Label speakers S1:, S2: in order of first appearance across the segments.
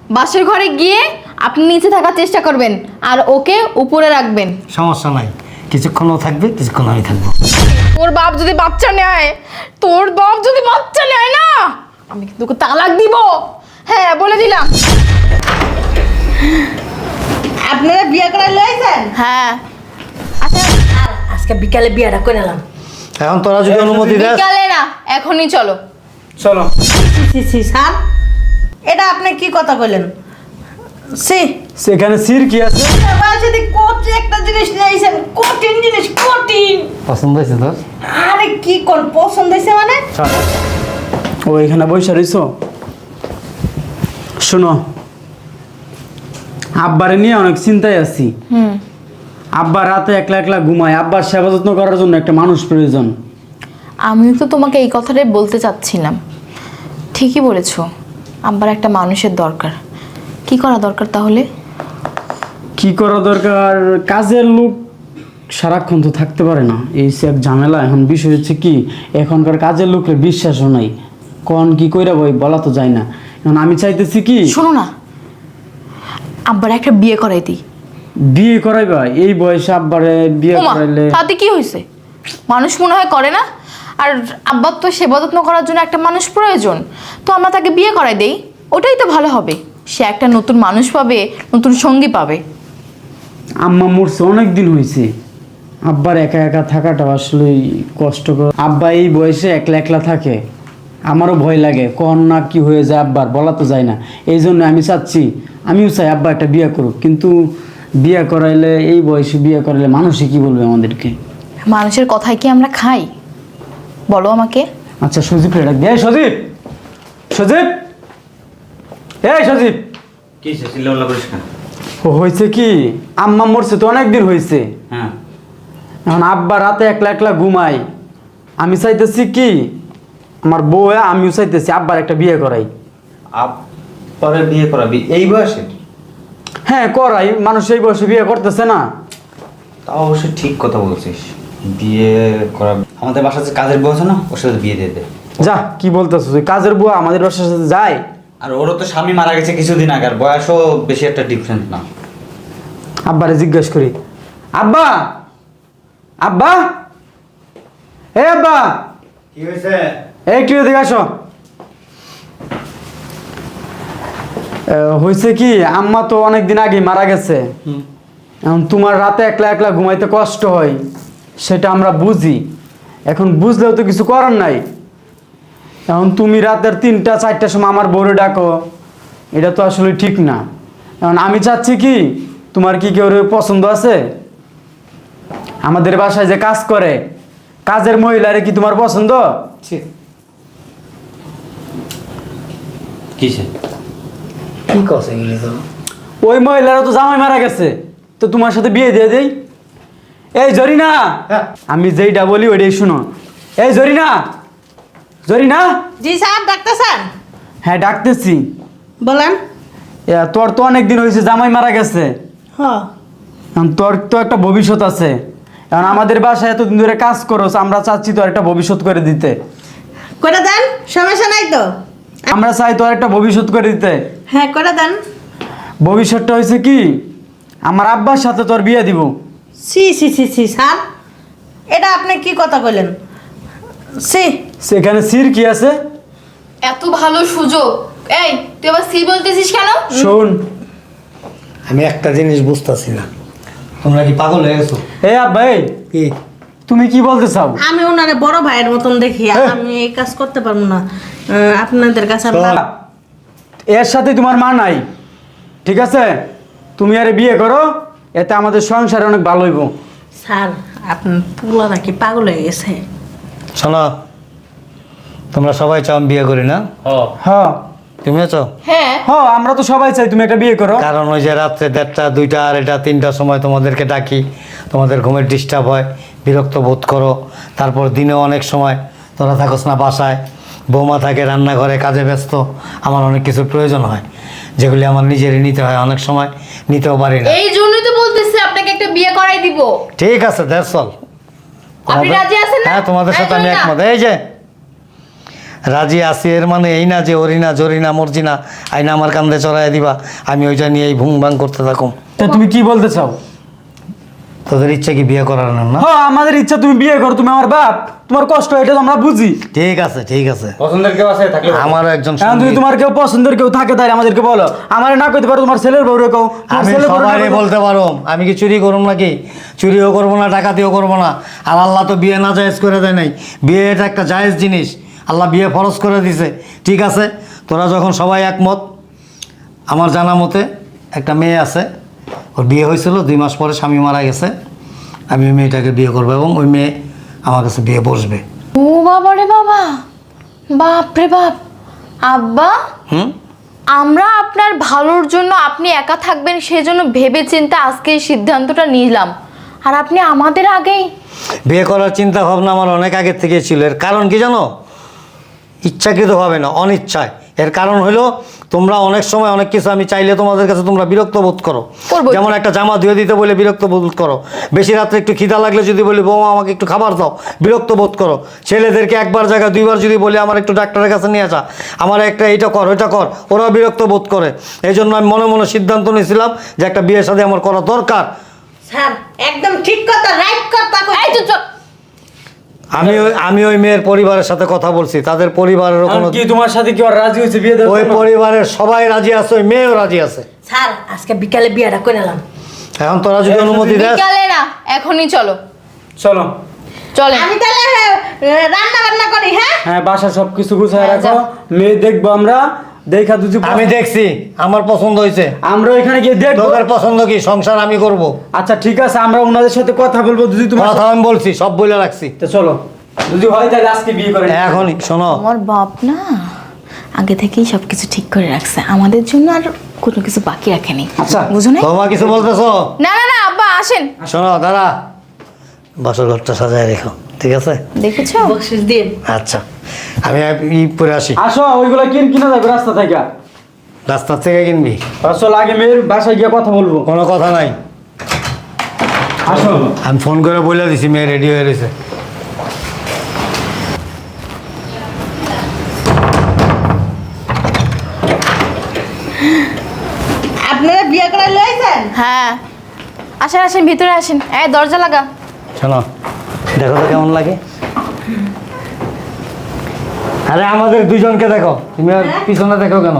S1: বাসের ঘরে গিয়ে আপনি নিচে থাকার চেষ্টা করবেন আর ওকে উপরে রাখবেন।
S2: সমস্যা নাই, কিছুক্ষণ ও থাকবে, কিছুক্ষণ আমি থাকবো।
S1: তোর বাপ যদি বাচ্চা নেয়, তোর বাপ যদি বাচ্চা নেয় না, আমি কিন্তু ওকে তালাক দিব। হ্যাঁ, বলে দিলাম।
S3: আপনারা বিয়ে করে লইছেন?
S1: হ্যাঁ, আচ্ছা
S3: আজকে বিকালে বিয়েটা করে এলাম।
S2: এখন তোরা যদি অনুমতি দেস।
S1: বিকালে না, এখনই চলো।
S2: চলো।
S3: স্যার, এটা আপনি কি কথা বললেন?
S2: সেখানে সির কি আছে?
S3: কঠিন একটা জিনিস নিয়েছেন, কঠিন জিনিস, কঠিন।
S2: পছন্দ হয়েছে তোর?
S3: আরে কি কোন পছন্দ হয়েছে মানে?
S4: ও এখানে বসে রইছো? শোনো, আব্বারে নিয়ে অনেক চিন্তায় আছি। আব্বা রাতে একলা একলা ঘুমায়, আব্বার সেবা যত্ন করার জন্য একটা মানুষ প্রয়োজন।
S1: আমিও তো তোমাকে এই কথাটাই বলতে চাচ্ছিলাম। ঠিকই বলেছো, আব্বার একটা মানুষের দরকার। কি করা দরকার তাহলে?
S4: কি করা দরকার? কাজের লোক সারাক্ষণ তো থাকতে পারে না, এই সে এক ঝামেলা। এখন বিষয় হচ্ছে কি, এখনকার কাজের লোকের বিশ্বাসও নাই, কোন কি কইরা বই বলা তো যায় না। এখন আমি চাইতেছি কি,
S1: শোনো না, আব্বার একটা বিয়ে করাই দিই।
S4: বিয়ে করাইবা? এই বয়সে আব্বারে বিয়ে
S1: ওমা,
S4: করাইলে?
S1: তাতে কি হয়েছে? মানুষ মনে হয় করে না? আর আব্বার তো সেবা যত্ন করার জন্য একটা মানুষ প্রয়োজন, তো আমরা তাকে বিয়ে করাই দেই। ওটাই তো ভালো হবে, সে একটা নতুন মানুষ পাবে, নতুন সঙ্গী পাবে।
S4: আম্মা মরছে অনেক দিন হয়েছে, আব্বার একা একা থাকাটা আসলে কষ্টকর। আব্বা এই বয়সে একলা একলা থাকে, আমারও ভয় লাগে, কখন না কি হয়ে যায় আব্বার বলা তো যায় না। এই জন্য আমি চাচ্ছি, আমিও চাই আব্বা একটা বিয়ে করুক, কিন্তু বিয়ে করাইলে, এই বয়সে বিয়ে করাইলে মানুষই কি বলবে আমাদেরকে?
S1: মানুষের কথায় কি আমরা খাই? বলো আমাকে।
S4: আচ্ছা সজীব রে ডাক দে। এই সজীব, সজীব, এই সজীব।
S2: কি চিল্লাপাল্লা করিস কেন?
S4: ও হয়েছে কি, আম্মা মরছে তো অনেক দিন হয়েছে।
S2: হ্যাঁ,
S4: এখন আব্বা রাতে একলা একলা ঘুমাই, আমি চাইতেছি কি, আমার বউ আমিও চাইতেছি আব্বার একটা বিয়ে করাই।
S2: পরে বিয়ে করাবি এই বয়সে?
S4: হ্যাঁ করাই, মানুষ এই বয়সে বিয়ে করতেছে না।
S2: তা অবশ্যই ঠিক কথা বলছিস, বিয়ে করা। আমাদের বাসার যে কাজের বউ আছে না, ওর সাথে বিয়ে দিয়ে দে।
S4: যা কি বলতেছ, ওই কাজের বুয়া আমাদের বাসার সাথে যায়?
S2: আর ওরও তো স্বামী মারা গেছে কিছুদিন আগে, আর বয়সও বেশি একটা ডিফারেন্স না।
S4: আব্বারে জিজ্ঞেস করি। আব্বা, আব্বা, এ আব্বা,
S2: কি হয়েছে?
S4: এই একটু এদিকে আসো। হয়েছে কি, আম্মা তো অনেক দিন আগে মারা গেছে। এখন তোমার রাতে একলা একলা ঘুমাইতে কষ্ট হয়, সেটা আমরা বুঝি। এখন বুঝলেও তো কিছু করার নাই। এখন তুমি রাতের 3টা 4টার সময় আমার বউরে ডাকো, এটা তো আসলে ঠিক না। এখন আমি চাচ্ছি কি, তোমার কি কেউ পছন্দ আছে? আমাদের বাসায় যে কাজ করে, কাজের মহিলারে কি তোমার পছন্দ?
S2: কিসে কি কছে এগুলো তো?
S4: ওই মহিলারা তো জামাই মারা গেছে, তো তোমার সাথে বিয়ে দিয়ে দেই। এই জরিনা, আমি যেইটা বলি ওইটাই শুনো। এই জরিনা, জরিনা।
S3: জি স্যার, ডাক্তার স্যার।
S4: হ্যাঁ ডাকতেছি।
S3: বলেন।
S4: তোর তো অনেক দিন হয়েছে জামাই মারা গেছে,
S3: হ্যাঁ।
S4: এখন তোর তো একটা ভবিষ্যৎ আছে। এখন আমাদের বাসায় এতদিন ধরে কাজ করোস, আমরা চাচ্ছি তোর একটা ভবিষ্যৎ করে দিতে।
S3: করে দেন, সমস্যা নাই তো।
S4: আমরা চাই তোর একটা ভবিষ্যৎ করে দিতে।
S3: হ্যাঁ করে দেন।
S4: ভবিষ্যৎটা হয়েছে কি, আমার আব্বার সাথে তোর বিয়ে দিব।
S3: সি সি সি সি স্যার, এটা আপনি কি কথা বললেন? সি,
S4: সেখানে সির কি আছে?
S1: এত ভালো সুযোগ, এই তুই আবার সি বলতেছিস কেন?
S4: শোন,
S5: আমি একটা জিনিস বুঝতেছি না,
S2: তোমরা কি পাগল হয়ে গেছো?
S4: এই আব্বা, এই
S5: কি
S4: তুমি কি বলতে চাও?
S3: আমি ওনারে বড় ভাইয়ের মতন দেখি, আমি এই কাজ করতে পারবো না। আপনাদের কাছে আমরা
S4: এর সাথে তোমার মা নাই, ঠিক আছে? তুমি আরে বিয়ে করো, এতে আমাদের সংসার অনেক ভালো হইব।
S3: স্যার, আপনার পুলা নাকি পাগল হয়ে গেছে।
S2: শোনো, তোমরা সবাই চাও আমি বিয়ে করি না?
S4: হ্যাঁ
S2: তুমিও চাও?
S1: হ্যাঁ
S4: হ্যাঁ, আমরা তো সবাই চাই তুমি একটা বিয়ে করো।
S2: কারণ ওই যে রাত্রে 1:30, 2টা, 2:30, 3টার সময় তোমাদেরকে ডাকি, তোমাদের ঘুমের ডিস্টার্ব হয়, বিরক্ত বোধ করো। তারপর দিনেও অনেক সময় তোরা থাকোস না বাসায়, বৌমা থাকে রান্নাঘরে কাজে ব্যস্ত, আমার অনেক কিছুর প্রয়োজন হয়, যেগুলি আমার নিজেরই নিতে হয়, অনেক সময় নিতেও পারি না।
S1: এই জন্যই তো বলতেছি আপনাকে একটা বিয়ে করাই দিব।
S2: ঠিক আছে, দ্যাটস অল।
S1: আপনি রাজি আছেন না?
S2: হ্যাঁ, তোমাদের সাথে আমি একমত। এই যে রাজি আছি এর মানে এই না যে ওরিনা জরিনা মর্জিনা আইনা আমার কান্দে চড়াই দিবা, আমি ওইটা নিয়েই ভুং ভাং করতে থাকুম।
S4: তা তুমি কি বলতে চাও?
S2: তোদের ইচ্ছা কি বিয়ে করার না?
S4: হ্যাঁ, আমাদের ইচ্ছা তুমি বিয়ে করো, তুমি আমার বাপ, তোমার কষ্ট এটা তো আমরা বুঝি।
S2: ঠিক আছে ঠিক আছে,
S5: পছন্দের কেউ আছে থাকলে
S2: আমারও একজন
S4: এখন তুমি
S2: সঙ্গী।
S4: তোমার কেউ পছন্দের কেউ থাকে তাই আমাদেরকে বলো, আমার না কইতে পারো তোমার ছেলের বউরে কও, তোমার
S2: আমি
S4: ছেলের বউরে না
S2: সবাই
S4: কইতে-
S2: বলতে পারো, আমি কি চুরি করব নাকি? চুরিও করবো না, ডাকাতিও করবো না। আর আল্লাহ তো বিয়ে না জায়েজ করে দেয় নাই, বিয়ে এটা একটা জায়েজ জিনিস, আল্লাহ বিয়ে ফরজ করে দিছে। ঠিক আছে, তোরা যখন সবাই একমত, আমার জানা মতে একটা মেয়ে আছে, ওর বিয়ে হয়েছিল 2 মাস পরে স্বামী মারা গেছে, আমি ওই মেয়েটাকে বিয়ে করবো এবং ওই মেয়ে আমার কাছে বিয়ে বসবে।
S1: ও বাবা রে বাবা, বাপ রে বাপ। আব্বা,
S2: হুম,
S1: আমরা আপনার ভালোর জন্য, আপনি একা থাকবেন সেজন্য ভেবে চিন্তে আজকে এই সিদ্ধান্তটা নিলাম, আর আপনি আমাদের আগেই।
S2: বিয়ে করার চিন্তা ভাবনা আমার অনেক আগের থেকে ছিল। এর কারণ কি জানো? ইচ্ছাকৃতভাবে না, অনিচ্ছায়। এর কারণ হলো তোমরা অনেক সময় অনেক কিছু আমি চাইলে তোমাদের কাছে তোমরা বিরক্ত বোধ করো।
S1: করবোই।
S2: যেমন একটা জামা ধুয়ে দিতে বলে বিরক্ত বোধ করো, বেশি রাত্রে একটু খিদা লাগলে যদি বলি বৌমা আমাকে একটু খাবার দাও, বিরক্ত বোধ করো। ছেলেদেরকে একবার জায়গায় 2বার যদি বলি আমার একটু ডাক্তারের কাছে নিয়ে আসা, আমার একটা এইটা কর ওইটা কর, ওরাও বিরক্ত বোধ করে। এই জন্য আমি মনে মনে সিদ্ধান্ত নিয়েছিলাম যে একটা বিয়ের সাথে আমার করা দরকার।
S3: স্যার একদম ঠিক কথা, রাইট কথা
S1: এই তো চল।
S2: আমি ওই মেয়ের পরিবারের সাথে কথা বলছি, তাদের পরিবারেরও
S4: এখন
S2: কোনো,
S4: কি তোমার সাথে কি আর রাজি হয়েছে বিয়ে দেওয়ার
S2: ওই
S4: জন্য?
S2: পরিবারের সবাই রাজি আছে, ওই মেয়েও রাজি আছে।
S3: স্যার আজকে বিকালে বিয়েটা করে এলাম।
S2: এখন তোরা যদি অনুমতি দেস,
S1: বিকালে না, এখনই চলো।
S4: চলো।
S1: চলে
S3: আমি তাহলে রান্না বান্না করি। হ্যাঁ
S4: হ্যাঁ, বাসা সবকিছু গুছায়
S1: হ্যাঁ,
S4: রাখো,
S1: যা।
S4: মেয়ে দেখবো আমরা, দেখা দুজি
S2: আমি দেখছি আমার পছন্দ হয়েছে।
S4: আমরা ওইখানে গিয়ে দেখবো।
S2: তোদের পছন্দ কি? সংসার আমি করব।
S4: আচ্ছা ঠিক আছে, আমরা ওনাদের সাথে কথা বলবো যদি তোমার
S2: কথা আমি বলছি, সব বলে রাখছি।
S4: তো চলো, যদি হয় তাহলে আজকে বিয়ে করে নিই।
S2: এখনই শোনো,
S1: আমার বাপ না আগে থেকেই সবকিছু ঠিক করে রাখছে আমাদের জন্য, আর কোনো কিছু বাকি রাখেনি।
S4: আচ্ছা।
S1: বুঝো না?
S2: তোমার কিছু বলতেছো?
S1: না না না আব্বা আসেন।
S2: শোনো দাদা, বাসর ঘরটা সাজায় রেখো, ঠিক আছে?
S1: দেখেছো?
S3: বকশিস দিন।
S2: আচ্ছা, আমি ই পরে আসি।
S4: আসো, ওইগুলো কিনা যাবে রাস্তা থেকে।
S2: রাস্তা থেকে কিনবি?
S4: আসলে আগে মেয়ের বাসায় গিয়ে কথা বলবো।
S2: কোনো কথা নাই,
S4: আসো।
S2: আমি ফোন করে বলে দিছি মেয়ে রেডি হয়ে রয়েছে।
S3: আপনারা বিয়ে করে লইছেন?
S1: হ্যাঁ, আসেন আসেন ভিতরে আসেন। এই দরজা লাগা।
S2: শোনো, দেখো তো কেমন লাগে। আরে আমাদের দুজনকে দেখো, তুমি আর পিছনে দেখো কেন?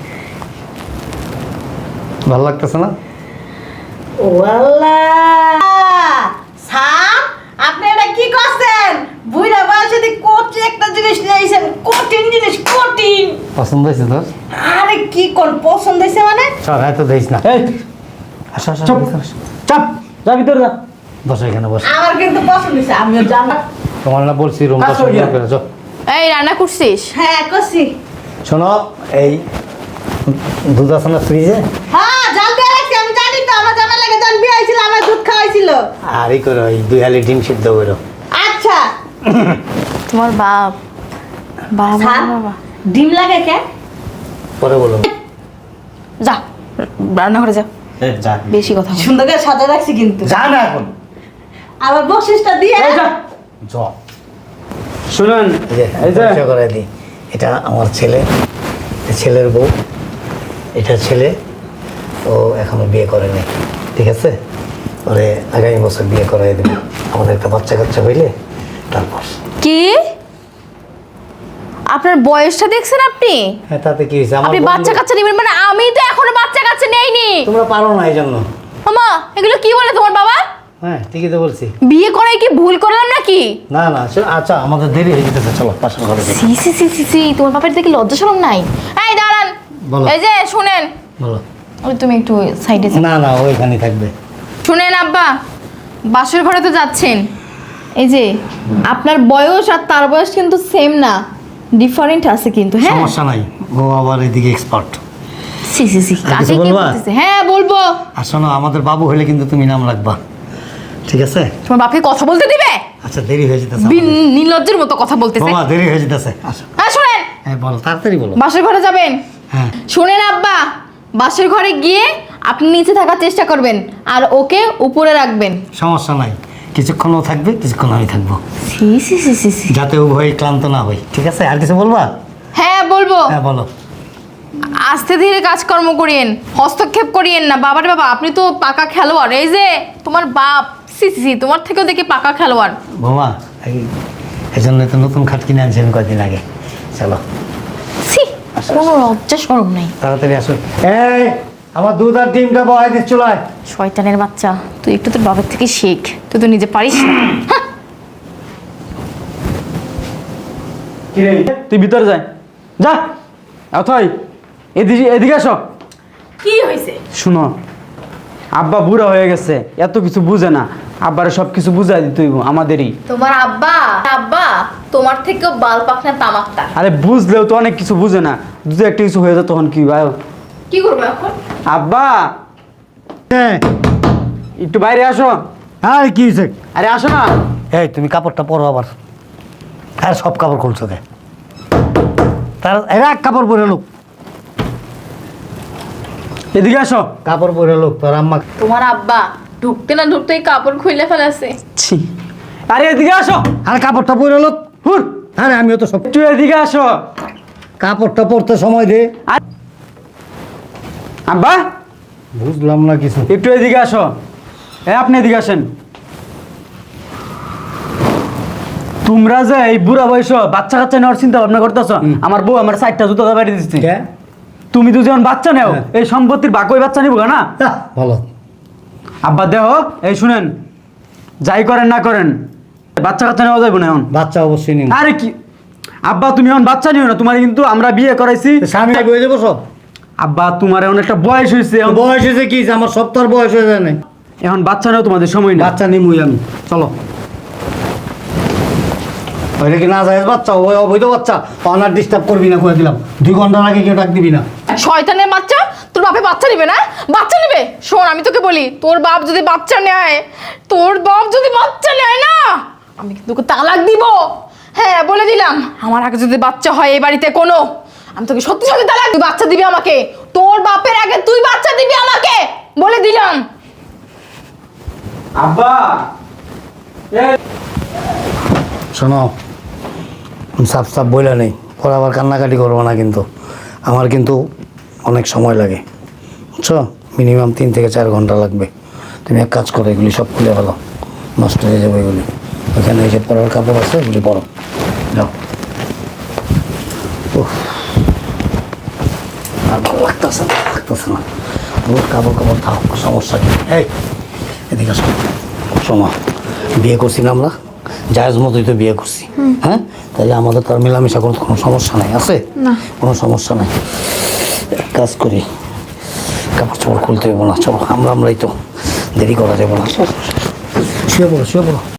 S2: ভালো লাগতেছে না?
S3: ও আল্লাহ! স্যার আপনি এটা কি করছেন? বুইড়া বয়সে দি কোটি একটা জিনিস নিয়েছেন, কঠিন জিনিস, কঠিন।
S2: পছন্দ হয়েছে তোর?
S3: আরে কি কোন পছন্দ হয়েছে মানে?
S2: চল, এত দিস না।
S4: এই
S2: আসো আসো,
S4: চুপ।
S2: ভিতরে আসো।
S4: চাপ, যা ভিতরে যা।
S2: বসো এখানে, বসো।
S3: আমার কিন্তু পছন্দ হয়েছে, আমিও জানা।
S2: তোমার না বলছি রুম
S4: আসো
S2: পছন্দ
S4: গিয়া।
S2: করে যাও।
S1: এই রান্না করছিস?
S3: হ্যাঁ করছি।
S2: শোনো, এই দুধ আছে না ফ্রিজে?
S3: হ্যাঁ জাল দিয়ে রাখছি, আমি জানি তো। আমার জানা লাগে জান বিয়ে হয়েছিল, আমার দুধ খাওয়াইছিল।
S2: আর এই করো, এই 2 হালি ডিম সিদ্ধ করো।
S3: আচ্ছা
S1: তোমার বাপ, বাবা
S3: স্যার
S1: বাবা।
S3: ডিম লাগে কে?
S2: পরে বলো।
S1: যা রান্না করে যা,
S2: যা
S1: বেশি কথা বল।
S3: সুন্দর করে সাজা রাখছি কিন্তু।
S2: যা না এখন।
S3: আবার বকশিসটা দিয়ে
S4: এই যা।
S2: যা।
S4: শুনুন, এই যে
S2: পরিচয় করে দিই, এটা আমার ছেলে, এ ছেলের বউ, এটা ছেলে। ও এখনো বিয়ে করেনি, ঠিক আছে? ওরে আগামী বছর বিয়ে করাই দেবে, আমাদের একটা বাচ্চা কাচ্চা হইলে তারপর।
S1: কি আপনার বয়সটা দেখছেন আপনি?
S2: হ্যাঁ, তাতে কি হয়েছে? আমার
S1: আপনি
S2: বন্ধু-
S1: বাচ্চা কাচ্চা নেবেন মানে? আমি তো এখনো বাচ্চা কাচ্চা নেইনি।
S2: তোমরা পারো না এই জন্য।
S1: মামা এগুলো কি বলে তোমার বাবা?
S2: হ্যাঁ, ঠিকই তো বলছি।
S1: বিয়ে করে কি ভুল করলাম নাকি?
S2: না না, আচ্ছা আমাদের দেরি হয়ে যেতেছে, চলো পাশের ঘরে যাই।
S1: সি সি সি সি সি, তোমার বাপের দেখি লজ্জা শরম নাই? এই দাঁড়ান,
S2: বলো।
S1: এই যে শুনেন,
S2: বলো।
S1: ওই তুমি একটু সাইডে
S2: না না, ওইখানেই থাকবে।
S1: শুনেন আব্বা, বাসর ঘরে তো যাচ্ছেন, এই যে আপনার বয়স আর তার বয়স কিন্তু সেম না, ডিফারেন্ট আছে কিন্তু। হ্যাঁ
S2: সমস্যা নাই, ও আবার এদিকে এক্সপার্ট।
S1: সি সি সি,
S2: আর কিছু
S1: কাকে কি
S2: বলবা?
S1: বলতেছে? হ্যাঁ বলবো।
S2: আর শোনো, আমাদের বাবু হলে কিন্তু তুমি নাম রাখবা, ঠিক আছে?
S1: তোমার বাপকে কথা বলতে দিবে?
S2: আচ্ছা, দেরি হয়ে যেতেছে।
S1: নির্লজ্জের মতো কথা বলতেছে।
S2: বাবা, দেরি হয়ে যেতেছে, আসো।
S1: হ্যাঁ শুনেন,
S2: হ্যাঁ বলো, তাড়াতাড়ি বলো।
S1: বাসর ঘরে যাবেন?
S2: হ্যাঁ।
S1: শুনেন আব্বা, বাসর ঘরে গিয়ে আপনি নিচে থাকার চেষ্টা করবেন আর ওকে উপরে রাখবেন।
S2: সমস্যা নাই, কিছুক্ষণ ও থাকবে, কিছুক্ষণ আমি থাকবো,
S1: সি সি সি সি সি।
S2: যাতে উভয় ক্লান্ত না হই। ঠিক আছে, আর কিছু বলবা?
S1: হ্যাঁ বলবো।
S2: হ্যাঁ বলো।
S1: আস্তে ধীরে কাজকর্ম করিয়েন, হস্তক্ষেপ করিয়েন না। বাবারে বাবা, আপনি তো পাকা খেলোয়াড়। এই যে তোমার বাপ, সি সি সি, তোমার থেকেও দেখি পাকা খেলোয়াড়।
S2: বৌমা, এই জন্য তো নতুন খাট কিনে আনছেন কয়েকদিন আগে। চলো
S1: সি, কোনো লজ্জা শরম নেই।
S2: তাড়াতাড়ি আসো। এই আমার দুধ আর ডিমটা বহাই দিস চুলায়।
S1: শয়তানের বাচ্চা, তুই একটু তোর বাবার থেকে শেখ, তুই তো নিজে পারিস না। হ্যাঁ।
S4: কিরে তুই ভিতরে যাই, যা। অথই এদিকে এদিকে আসো।
S1: কি হয়েছে?
S4: শুনো, আব্বা বুড়া হয়ে গেছে, এত কিছু বুঝে না। আব্বারে সব কিছু বুঝাই দিতে হইব আমাদেরই।
S1: তোমার আব্বা, আব্বা তোমার থেকেও বাল পাকনা তামাকটা।
S4: আরে বুঝলেও তো অনেক কিছু বুঝে না, যদি একটা কিছু হয়ে যায় তখন কি ভাই?
S1: কি করবো এখন?
S4: আব্বা
S2: হ্যাঁ,
S4: একটু বাইরে আসো।
S2: আর কি হয়েছে?
S4: আরে আসো না।
S2: এই তুমি কাপড়টা পরো আবার। আর সব কাপড় খুলছো দে, তার এক কাপড় পরে লোক,
S4: এদিকে আসো।
S2: কাপড় পরে লোক তোর আম্মা।
S1: তোমার আব্বা ঢুকতে না ঢুকতেই কাপড় খুলে ফেলেছে।
S4: ছি, আরে এদিকে আসো।
S2: আর কাপড়টা পরে লোক।
S4: হুর,
S2: আরে আমিও তো সব।
S4: একটু এদিকে আসো।
S2: কাপড়টা পরতে সময় দে।
S4: আব্বা
S2: বুঝলাম না কিছু।
S4: একটু এদিকে আসো। আপনি এদিকে আসেন। তোমরা যে এই বুড়া বয়স বাচ্চা কাচ্চা নেওয়ার চিন্তা ভাবনা করতেছ, আমার বউ আমার 4টা জুতো বাড়ি দিচ্ছে।
S2: হ্যাঁ?
S4: তুমি তো যখন বাচ্চা নেও,
S2: হ্যাঁ।
S4: এই সম্পত্তির বাকি ওই বাচ্চা নিব না।
S2: বলো।
S4: আব্বা দেহ, এই শুনেন, যাই করেন না করেন বাচ্চা কাচ্চা নেওয়া যাবে না এখন।
S2: বাচ্চা অবশ্যই নিন।
S4: আরে কি আব্বা, তুমি এখন বাচ্চা নিও না, তোমার কিন্তু আমরা বিয়ে করাইছি।
S2: স্বামী বয়ে যাবো সব।
S4: আব্বা তোমার এখন একটা বয়স হয়েছে,
S2: বয়স হয়েছে কি? আমার সব তোর বয়স হয়ে যায় না।
S4: এখন বাচ্চা নেও তোমাদের সময় না।
S2: বাচ্চা নিমুই আমি। চলো। ওইটা কি না যায় বাচ্চা? ওই অবৈধ বাচ্চা। অনার ডিস্টার্ব করবি না, করে দিলাম। 2 ঘন্টার আগে কেউ ডাক দিবি না।
S1: শয়তানের বাচ্চা, তোর বাপে বাচ্চা নেবে না? বাচ্চা নেবে? শোন, আমি তোকে বলি, তোর বাপ যদি বাচ্চা নেয়, তোর বাপ যদি বাচ্চা নেয় না, আমি কিন্তু তোকে তালাক দিব। হ্যাঁ বলে দিলাম, আমার আগে যদি বাচ্চা হয় এই বাড়িতে কোনো, আমি তোকে সত্যি সত্যি তালাক। তুই বাচ্চা দিবি আমাকে, তোর বাপের আগে তুই বাচ্চা দিবি আমাকে, বলে দিলাম।
S4: আব্বা
S2: শোনো, সাপ সাপ বইলা নেই, পরে আবার কান্নাকাটি করবো না কিন্তু। আমার কিন্তু অনেক সময় লাগে, বুঝছো? মিনিমাম 3 থেকে 4 ঘন্টা লাগবে। তুমি এক কাজ করো, এগুলি সব খুলে ফেলো, নষ্ট হয়ে যাবে এগুলি। ওইখানে এই যে পরার কাপড় আছে, এগুলি পরো, যাও। উফ, আর ভালো লাগতেছে না, রোজ কাপড় কাপড় থাও, সমস্যা কি? এই এদিকে আসো। শোনো, বিয়ে করছি না আমরা, জায়েজ মতোই তো বিয়ে করছি। হ্যাঁ, তাহলে আমাদের তো আর মেলামেশা করতে কোনো সমস্যা নাই, আছে?
S1: না।
S2: কোনো সমস্যা নাই। এক কাজ করি, কাপড় চোপড় খুলতে হইব না, চলো। আমরাই তো, দেরি করা যাবে না। শুয়ে পড়ো, শুয়ে পড়ো।